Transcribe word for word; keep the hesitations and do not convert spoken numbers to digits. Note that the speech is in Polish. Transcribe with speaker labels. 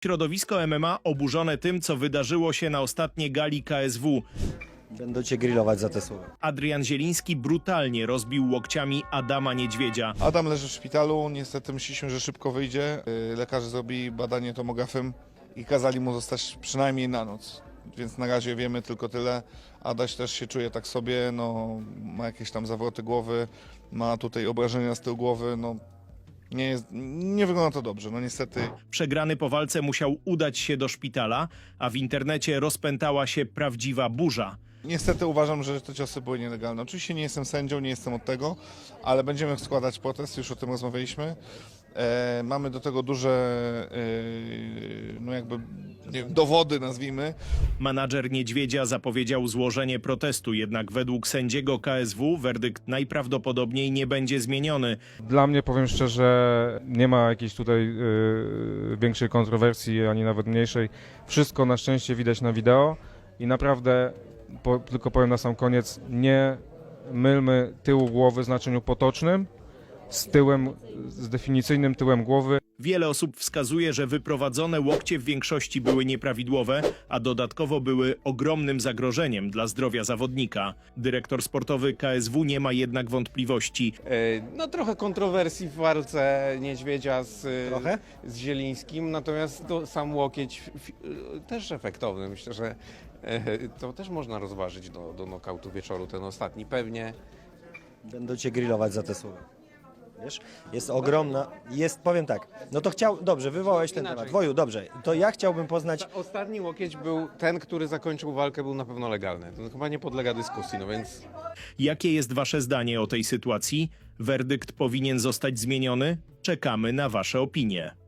Speaker 1: Środowisko M M A oburzone tym, co wydarzyło się na ostatniej gali K S W.
Speaker 2: Będą cię grillować za te słowa.
Speaker 1: Adrian Zieliński brutalnie rozbił łokciami Adama Niedźwiedzia.
Speaker 3: Adam leży w szpitalu, niestety myśleliśmy, że szybko wyjdzie. Yy, Lekarze zrobili badanie tomografem i kazali mu zostać przynajmniej na noc. Więc na razie wiemy tylko tyle. Adaś też się czuje tak sobie, no, ma jakieś tam zawroty głowy, ma tutaj obrażenia z tyłu głowy, no nie, jest, nie wygląda to dobrze, no niestety.
Speaker 1: Przegrany po walce musiał udać się do szpitala, a w internecie rozpętała się prawdziwa burza.
Speaker 3: Niestety uważam, że te ciosy były nielegalne. Oczywiście nie jestem sędzią, nie jestem od tego, ale będziemy składać protest, już o tym rozmawialiśmy. E, mamy do tego duże e, no jakby nie wiem, dowody, nazwijmy.
Speaker 1: Menadżer Niedźwiedzia zapowiedział złożenie protestu, jednak według sędziego K S W werdykt najprawdopodobniej nie będzie zmieniony.
Speaker 4: Dla mnie, powiem szczerze, nie ma jakiejś tutaj y, większej kontrowersji, ani nawet mniejszej. Wszystko na szczęście widać na wideo i naprawdę, po, tylko powiem na sam koniec, nie mylmy tyłu głowy w znaczeniu potocznym z tyłem, z definicyjnym tyłem głowy.
Speaker 1: Wiele osób wskazuje, że wyprowadzone łokcie w większości były nieprawidłowe, a dodatkowo były ogromnym zagrożeniem dla zdrowia zawodnika. Dyrektor sportowy K S W nie ma jednak wątpliwości.
Speaker 5: No trochę kontrowersji w walce Niedźwiedzia z,
Speaker 2: Trochę?
Speaker 5: z Zielińskim, natomiast to sam łokieć f- też efektowny. Myślę, że e, to też można rozważyć do, do nokautu wieczoru, ten ostatni pewnie.
Speaker 2: Będą cię grillować za te słowa. Wiesz? Jest ogromna, jest, powiem tak, no to chciał, dobrze, wywołałeś ten
Speaker 5: Inaczej.
Speaker 2: temat. Woju, dobrze, to ja chciałbym poznać,
Speaker 5: Ta, ostatni łokieć był ten, który zakończył walkę, był na pewno legalny. To chyba nie podlega dyskusji, no więc...
Speaker 1: Jakie jest wasze zdanie o tej sytuacji? Werdykt powinien zostać zmieniony? Czekamy na wasze opinie.